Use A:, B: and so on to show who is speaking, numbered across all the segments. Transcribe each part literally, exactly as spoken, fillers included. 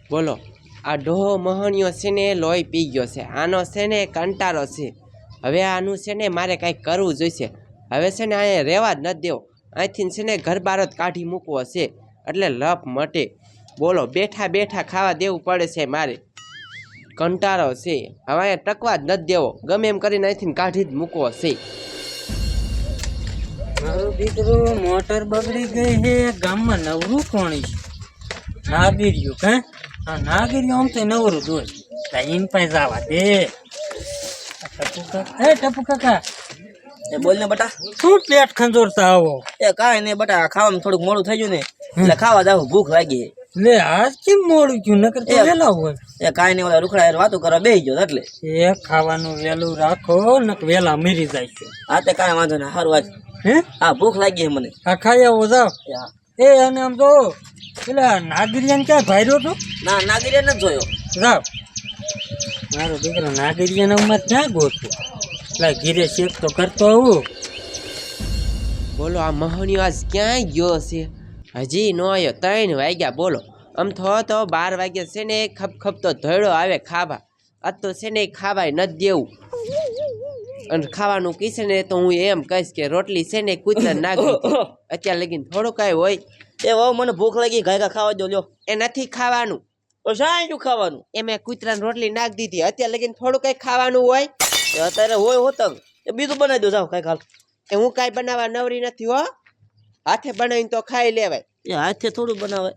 A: બોલો આ ડોહો મહણિયો છે ને લોહી પી ગયો છે, આનો છે ને કંટાળો છે. હવે આનું છે ને મારે કાંઈક કરવું જોઈશે. હવે છે ને અહીંયા રહેવા જ નથી દેવો, અહીંથી છે ને ઘર બાર જ કાઢી મૂકવો છે, એટલે લપ મટે. બોલો બેઠા બેઠા ખાવા દેવું પડે છે મારે, કંટાળો છે. હવે અહીંયા ટકવા જ નથી દેવો, ગમે એમ કરીને અહીંથી કાઢી જ મૂકવો છે.
B: મારો દીકરો મોટર બગડી ગઈ છે, ગામમાં નવરું કોણી છે? નાગીર્યું હે? હા નાગીર્યું આમ તો નવરું દોર ઇન પાસે જવા દે. ટપુ કાકા, હે ટપુ કાકા,
C: એ બોલ ને બટા.
B: શું પેટ ખંજોરતા આવો?
C: એ કાંઈ નહીં બટા, ખાવામાં થોડુંક મોડું થઈ ગયું ને એટલે ખાવા જાવ, ભૂખ લાગી.
B: લે આજ કેમ મોડું ગયું? નકર તો વેલા હોય.
C: એ કાંઈ નહીં, ઓલા રૂખડા વાતો કરવા બેસી ગયો એટલે.
B: એ ખાવાનું વેલું રાખો નક વેલા મરી જાય છે.
C: હા તે કાંઈ વાંધો નહીં, સારું વાત.
B: હે
C: હા ભૂખ લાગી છે મને.
B: આ ખાઈ આવો જાવ. એ અને આમ તો પેલા નાગરિયાને ક્યાં ભાર્યો તો?
C: ના નાગરિયા નથી જોયો.
B: જાવ મારો દીકરો નાગરિયાને ઉંમર ક્યાં ગોતું? એટલે ઘીરે શેક તો કરતો આવું.
A: બોલો આ મહણિયો આજ ક્યાંય ગયો છે? હજી ન આવ્યો, ત્રણ વાગ્યા. બોલો આમ થો તો બાર વાગ્યા છે ને ખપ ખપ તો ધોયડો આવે ખાવા. આ તો છે ને ખાવાય નથી દેવું, અને ખાવાનું કીશે ને તો હું એમ કહીશ કે રોટલી છે ને કૂતરા નાખી અત્યારે લગીને થોડું કાંઈ હોય.
C: એ વાવ મને ભૂખ લાગી, ઘાયગા ખાવા દો લ્યો.
A: એ નથી ખાવાનું,
C: તો શા શું ખાવાનું?
A: એ મેં કૂતરાને રોટલી નાખી દીધી, અત્યારે લગીને થોડું કાંઈ ખાવાનું હોય.
C: અત્યારે હોય હોતંગ એ બીજું બનાવી દો, જાવ કાંઈ ખાલ.
A: એ હું કાંઈ બનાવવા નવરી નથી હો, હાથે બનાવીને તો ખાઈ લેવાય.
C: એ હાથે થોડું બનાવે.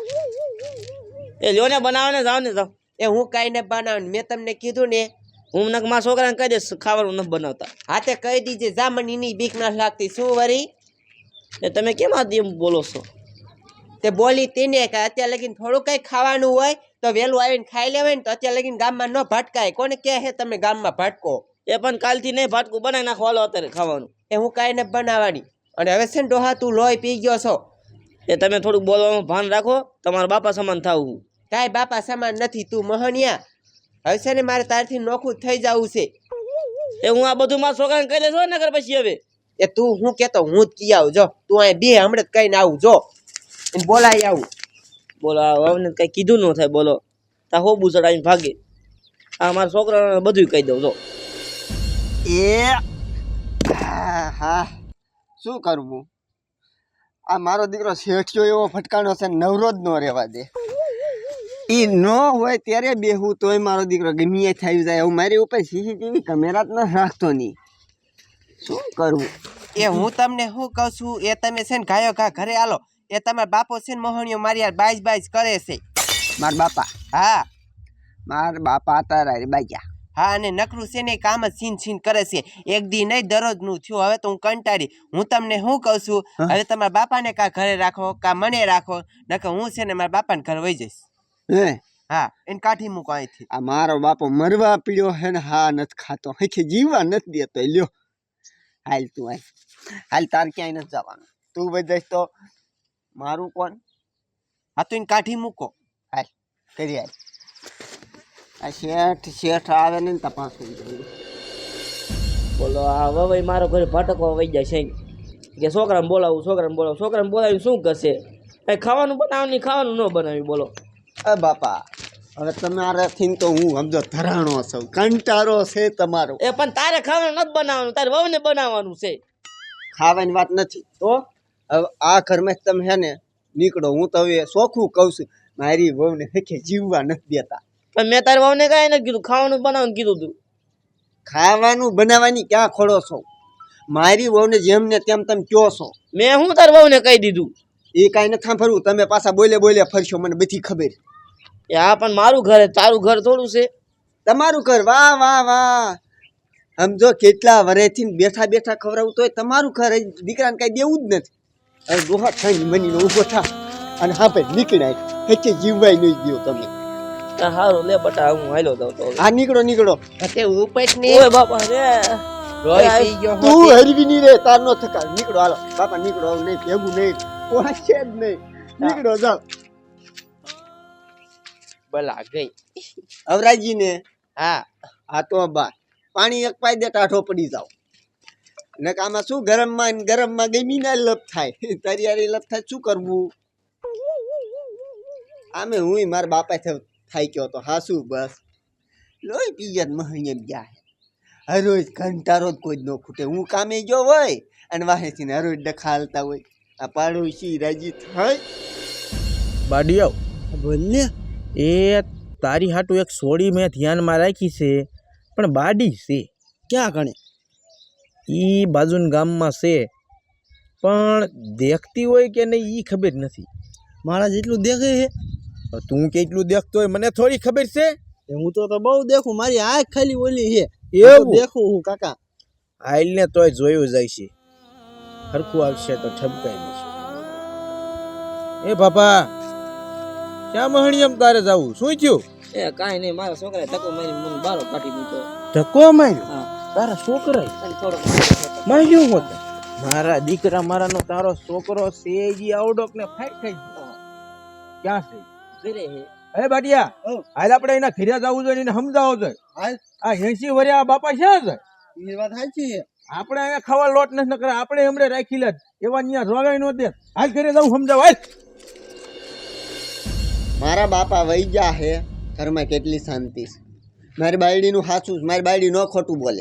C: એ લ્યો ને બનાવે ને, જાવ ને જાવ.
A: એ હું કાંઈ ને બનાવું, મેં તમને કીધું ને.
C: હું નક મારા છોકરાને કહી દઈશ ખાવાનું નથી બનાવતા.
A: હાથે કહી દીજે, જા મને એની બીક ના લાગતી. શું વરી
C: એ તમે કેમ આ એમ બોલો છો?
A: તે બોલી તેને કે અત્યારે લગીને થોડું કંઈ ખાવાનું હોય તો વહેલું આવીને ખાઈ લેવાય ને, તો અત્યારે લગીને ગામમાં ન ભટકાય. કોને કહે છે તમે ગામમાં ભટકો?
C: એ પણ કાલથી નહીં ભાટકું બનાવી નાખો, હાલો અત્યારે ખાવાનું.
A: એ હું કાંઈ ને બનાવવાની. અને હવે છે ને ડોહા તું લોહી પી ગયો છો,
C: એ તમે થોડુંક બોલવામાં ભાન રાખો, તમારા બાપા સમાન થાવું.
A: કાંઈ બાપા સમાન નથી તું મહણિયા. હવે છે ને મારે તારથી નોખું થઈ જવું છે.
C: એ હું આ બધું મારા છોકરાને કહી દઈશ નગર પછી. હવે
A: એ તું હું કહેતો હું જ કી આવું, જો તું અહીં બે હમણાં જ કહીને આવું, જો એને બોલાવી આવું.
C: બોલો આ કઈ કીધું ન થાય, બોલો તા હો બુસડ આવીને ભાગે. આ મારા છોકરાને બધું કહી દઉં. જો
D: એ હા શું કરવું? આ મારો દીકરો શેઠિયો એવો ફટકાણો છે, નવરો જ ન રહેવા દે. એ ન હોય ત્યારે બેહું તોય મારો દીકરો ગમે થઈ જાય. હું મારી ઉપર સીસીટીવી કેમેરા જ ન રાખતો નહીં. શું કરવું?
A: એ હું તમને શું કહું છું, એ તમે છે ને ગાયો ઘા ઘરે આલો. એ તમારા બાપો છે ને મોહણીઓ મારી યાર બાઈસ બાઈસ કરે છે.
D: મારા બાપા?
A: હા
D: મારા બાપા તારા બાજ્યા.
A: હા અને નકરું છે ને કામ જ છીન છીન કરે છે, એક દી નહીં દરરોજનું થયું. હવે તો હું કંટાળી. હું તમને શું કહું છું, હવે તમારા બાપાને કાં ઘરે રાખો કાં મને રાખો, નકર હું છે ને મારા બાપાને ઘરે વહી જઈશ.
D: હે
A: હા એને કાઢી મૂકો અહીંથી.
D: આ મારો બાપો મરવા પીડ્યો હે ને, હા નથી ખાતો, હખી જીવવા નથી દેતો. લ્યો હાલ તું હાલ હાલ, તાર ક્યાંય નથી જવાનું. તું બધાય તો મારું કોણ?
A: હા તો એને કાઢી મૂકો.
D: હાલ કરી હાલ. આ શેઠ શેઠ આવે ને તપાસ કરી.
C: બોલો આ હવે મારો ઘરે ભટકવા વહી જાય છે કે છોકરાને બોલાવું છોકરાને બોલાવું. છોકરાને બોલાવીને શું કરશે? કઈ ખાવાનું બનાવવાનું નહીં, ખાવાનું ન બનાવ્યું. બોલો
D: અ બાપા હવે તમારાથી તો હું સમજો ધરાણો છું, કંટાળો છે તમારો.
C: એ પણ તારે ખાવાનું નથી બનાવવાનું, તારે વહુને બનાવવાનું છે.
D: ખાવાની વાત નથી
C: તો
D: હવે આ ઘરમાં તમે હે ને નીકળો. હું તો હવે ચોખ્ખું કહું છું, મારી વહુને હખે જીવવા નથી દેતા.
C: પણ મેં તારી વહુને કાંઈ નથી કીધું, ખાવાનું બનાવવાનું કીધું તું.
D: ખાવાનું બનાવવાની ક્યાં ખોડો છો? મારી વહુને જેમ ને તેમ તમે કયો છો.
C: મેં હું તારી વહુને કહી દીધું.
D: એ કાંઈ નથી સાંભળવું, તમે પાછા બોલે બોલે ફરશો, મને બધી ખબર.
C: એ હા પણ મારું ઘર, તારું ઘર થોડું છે.
D: તમારું ઘર? વાહ વાહ વાહ. સમજો કેટલા વર્ષથી બેઠા બેઠા ખવડાવું તોય તમારું ઘર. દીકરાને કાંઈ દેવું જ નથી. હવે ડોહા થઈને મનીનો ઊભો થા અને હા ભાઈ નીકળાય, હચ્ચે જીવવાય નહીં દો તમે.
C: સારું લે બટા, હું હાલો જાઉં તો.
D: હા નીકળો નીકળો.
A: તે ઉપર ને
C: ઓય બાપા રે
A: રોઈ પી ગયો
D: તું હરવી નહીં રે, તાર નો થકા. નીકળો હાલો બાપા નીકળો. હવે નહીં ભેગું નહીં પહોંચે જ નહીં. નીકળો જાઓ.
A: બલા ગઈ.
D: અવરાજી ને
A: હા
D: હા તો બા પાણી એક પાઈ દે, ટાઢો પડી જાવ. ને આમાં શું ગરમમાં ને ગરમમાં ગમી ના લપ થાય, તરિયારી લપ થાય. શું કરવું? આમે હું મારા બાપા થાય ગયો તો હા શું બસ લોહી પીજત મહણીએ ગયા હરોજ ઘંટારો જ કોઈ જ ન ખૂટે હું કામે ગયો હોય અને વાહેથી ને હરોજ ડખા હાલતા હોય આ પાડોશી રાજી થાય
E: બાડી આવ
D: બોલ ને
E: એ તારી હાટું એક સોડી મેં ધ્યાનમાં રાખી છે પણ બાડી છે
D: ક્યાં કણે
E: ઈ બાજુના ગામમાં છે પણ દેખતી હોય કે નહીં ઈ ખબર નથી
D: મારા જેટલું દેખે છે
E: હવે તું કેટલું દેખતો હોય મને થોડી ખબર છે
D: હું તો બહુ દેખું મારી આંખ ખાલી ઓલી છે
E: એવું
D: દેખું હું કાકા
E: આઈલ ને તોય જોયું જાય છે હરખું આવશે તો ઠપકાઈ દેશે એ બાપા ક્યાં મહણિયમ તારે જાવું શું થયું
C: એ કાંઈ નહીં મારા છોકરાએ ધક્કો મારી મને બારો કાઢી દીધો
E: ધક્કો માર્યો
C: હા
E: તારા છોકરા
C: અને થોડો
E: માર્યો હોત મારા દીકરા મારાનો તારો છોકરો છે ઈ આવડોક ને ફાઈટ થઈ ગયો ક્યાં છે
C: ઘરે હે
E: અરે બાટિયા આજ આપણે એના ઘરે જવું જોઈએ એને સમજાવો જોઈએ આ એસી વર્યા બાપા ક્યાં છે
D: એ વાત સાચી છે
E: આપણે અહીંયા ખાવા લોટ નથી કરે આપણે હમણે રાખી લે એવા અહીંયા રોગાઈ નો દે હાલ ઘરે જવું સમજાવ હાલ
D: મારા બાપા વહી ગયા હે ઘરમાં કેટલી શાંતિ છે મારી બાયડીનું સાચું છે મારી બાયડી ન ખોટું બોલે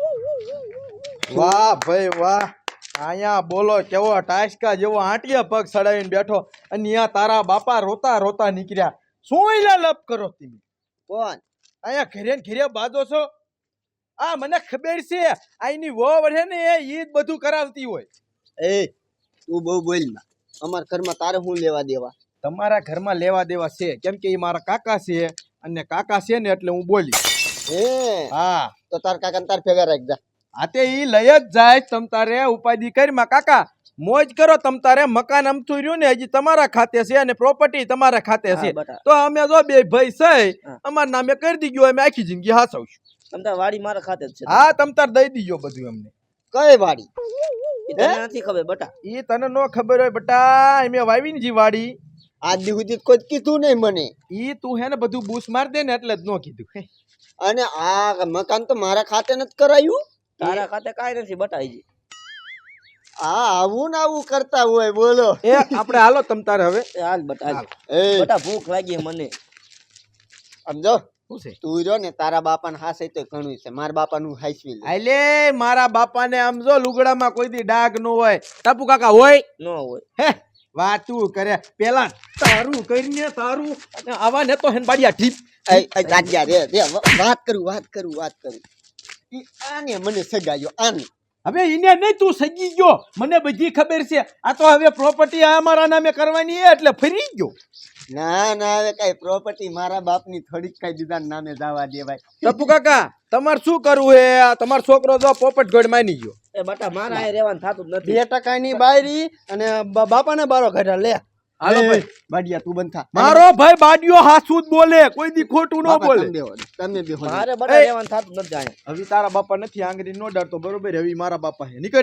E: વાહ ભાઈ વાહ અહીંયા બોલો કેવો ટાસકા જેવો આંટિયા પગ સડાવીને બેઠો અને અહીંયા તારા બાપા રોતા રોતા નીકળ્યા શું એલા લપ કરો તમે
D: કોણ
E: અહીંયા ઘરે ને ઘરે બાજો છો આ મને ખબર છે આઈની વો વઢે ને એ ઈ જ બધું કરાવતી હોય
D: એ તું બહુ બોલ માં અમારા ઘરમાં તારે શું લેવા દેવા
E: તમારા ઘરમાં લેવા દેવા છે કેમ કે એ મારા કાકા છે અને કાકા છે ને એટલે હું બોલી
D: હે
E: હા
D: તો તાર કાકા તાર ભેગા રાખજા
E: આ તે ઈ લઈ જ જાય તમ તારે ઉપાધિ કરી માં કાકા મોજ કરો તમ તારે મકાન અમથું રહ્યું ને હજી તમારા ખાતે છે અને પ્રોપર્ટી તમારા ખાતે છે
C: હા, બટા.
E: તો અમે જો બે ભાઈ છે
C: હા.
E: અમારા નામે કરી દીધું અમે આખી જિંદગી હાસવશું
C: તમ તાર વાડી મારા ખાતે જ છે
E: હા તમ તાર દઈ દીજો બધું અમને
D: કઈ વાડી
C: એ તને નથી ખબર બટા
E: ઈ તને નો ખબર હોય બટા અમે વાવી ને જી વાડી
D: આજ દી સુધી કોઈ કીધું નહીં મને
E: ઈ તું હે ને બધું બૂસ માર દે ને એટલે જ નો કીધું હે.
D: અને આ મકાન તો મારા ખાતે નથી કરાયું
C: તારા ખાતે કાંઈ નથી બટા હજી
D: આ આવું ને આવું કરતા હોય બોલો
E: એ આપણે હાલો તમ તારે હવે
C: એ હાલ બટા હાલ.
D: એ
C: બટા ભૂખ લાગી છે મને
D: સમજો
E: શું છે
D: તું રહ્યો ને તારા બાપાને હાસે તો ઘણું છે મારા બાપાનું હાઈસવી લે
E: આલે મારા બાપાને આમ જો લુગડામાં કોઈ દી ડાઘ નો હોય ટપુ કાકા હોય
C: ન હોય
E: હે વાતું કરે પેલા તારું કરીને તારું અને આવા ને તો હેન બાડિયા ઠીપ
D: એ એ ગાડિયા રે રે વાત કરું વાત કરું વાત કરું ઈ આને મને સગાયો આને
E: હવે ઈને નહીં તું સજી ગયો મને બધી ખબર છે આ તો હવે પ્રોપર્ટી આ મારા નામે કરવાની છે એટલે ફરી ગયો
D: ના ના હવે કઈ પ્રોપર્ટી મારા બાપની થોડીક કઈ બીજા નામે જવા દેવાય
E: ટપુ કાકા તમારે શું કરવું હે આ તમારો છોકરો જો પોપટ ગોળ માની ગયો
C: એ બટા મારા અહીં રહેવાનું થતું જ નથી
D: બે ટકાની બાયરી અને બા- બાપાને બારો કાઢ્યા લે
E: હાલો ભાઈ
D: બાડિયા તું બંધ થા
E: મારો ભાઈ બાડિયો હાસું જ બોલે કોઈ દી ખોટું ન
D: બાપા,
E: બોલે
D: તમે બેહો, તમે બેહો.
C: મારે બટા રહેવાનું થતું નથી અહીંયા
E: હવે તારા બાપા નથી આંગળી નો ડરતો બરોબર હવે મારા બાપા હે નીકળ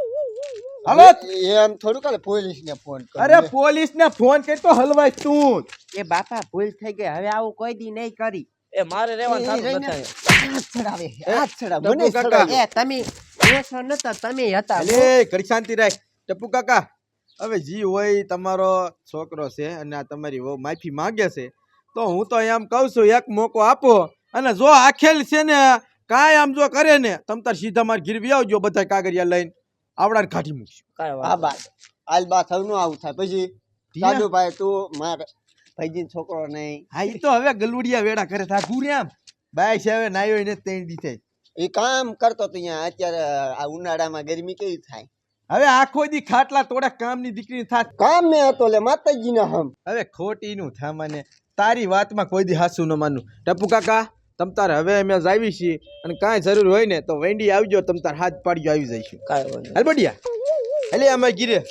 E: હાલો
D: એમ થોડું કાલે પોલીસ ને ફોન કર
E: અરે પોલીસ ને ફોન કરી તો હલવાય તું
A: એ બાપા ભૂલ થઈ ગઈ હવે આવું કોઈ દી નહીં કરી
C: એ મારે રહેવાનું થતું જ નથી અહીંયા
D: હાથ ચડાવે હાથ ચડાવે
E: ટપુ
D: મને
E: કાકા.
D: ચડાવે.
A: એ તમે એસો નતા તમે હતા
E: અલે ઘડી શાંતિ રાખ ટપુ કાકા હવે જી હોય તમારો છોકરો છે અને આ તમારી વહુ માફી માંગે છે તો હું તો એમ કહું છું એક મોકો આપો અને જો આખેલ છે ને કાંઈ આમ જો કરે ને તમ તાર સીધા માર ગીરવી આવજો બધા કાગળિયા લઈને આવડાને કાઢી મૂકશું
C: કાંઈ
D: હા
C: વાંધો
D: બા આજ બા થવનું આવું થાય પછી દાદુ ભાઈ તું માર ભાઈજી છોકરો નહીં
E: હા ઈ તો હવે ગલુડિયા વેડા કરે થા ઘૂરે આમ બાય છે હવે નાયો ને ત્રણ દી થાય
D: એ કામ કરતો તો અહીંયા અત્યારે આ ઉનાળામાં ગરમી કેવી થાય
E: હવે આખો દી ખાટલા તોડે કામની દીકરી થાત
D: કામ મેં હતો લે માતાજીના હમ
E: હવે ખોટી નું થામાને તારી વાતમાં કોઈ દી હાસું ન માનું ટપુ કાકા તમ તાર હવે અમે જાવી છીએ અને કાંઈ જરૂર હોય ને તો વેંડી આવજો તમ તાર હાથ પાડજો આવી જઈશું
C: કાંઈ વાંધો
E: હાલ બડિયા એટલે અમે ગીરે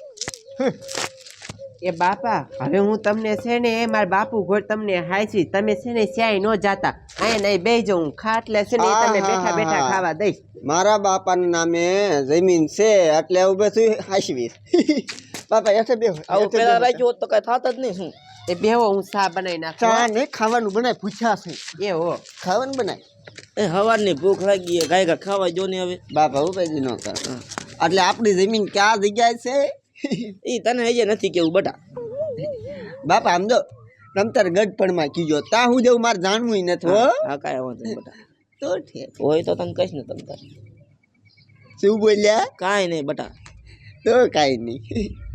A: એ બાપા હવે હું તમને છે ને એ મારા બાપુ ઘોડ તમને હાઈસી તમે છે ને સ્યાય નો જાતા અહીંયા નહીં બે હું ખાટલે છે ને એ તમે બેઠા બેઠા ખાવા દઈશ
D: મારા બાપાના નામે જમીન છે એટલે હું બધું હાંસવીશ બાપા એસે બેહો
C: આવું
D: એસે
C: પેલા
D: બેહો.
C: રાખ્યું હોત તો કઈ થાત જ નહીં શું
A: એ બેહો હું ચા બનાવી
D: ચા
A: નાખું
D: ને ખાવાનું બનાય પૂછ્યા છે
A: એ હો
D: ખાવાનું બનાય
C: એ હવારની ભૂખ લાગી ગાય ગા ખાવા જો ને હવે
D: બાપા ઉપાય ન કર એટલે આપણી જમીન ક્યાં જગ્યાએ છે
C: ઈ તને હજી નથી કેવું બટા
D: બાપા આમ જો તમ તાર ગઢપણમાં કીજો તા હું જેવું મારે જાણવું નથી હો
C: હા કાંઈ વાંધો નહીં બટા
D: તો ઠીક
C: હોય તો તને કહીશ ને તમ તાર
D: શું બોલ્યા
C: કાંઈ નહીં બટા
D: તો કાંઈ નહીં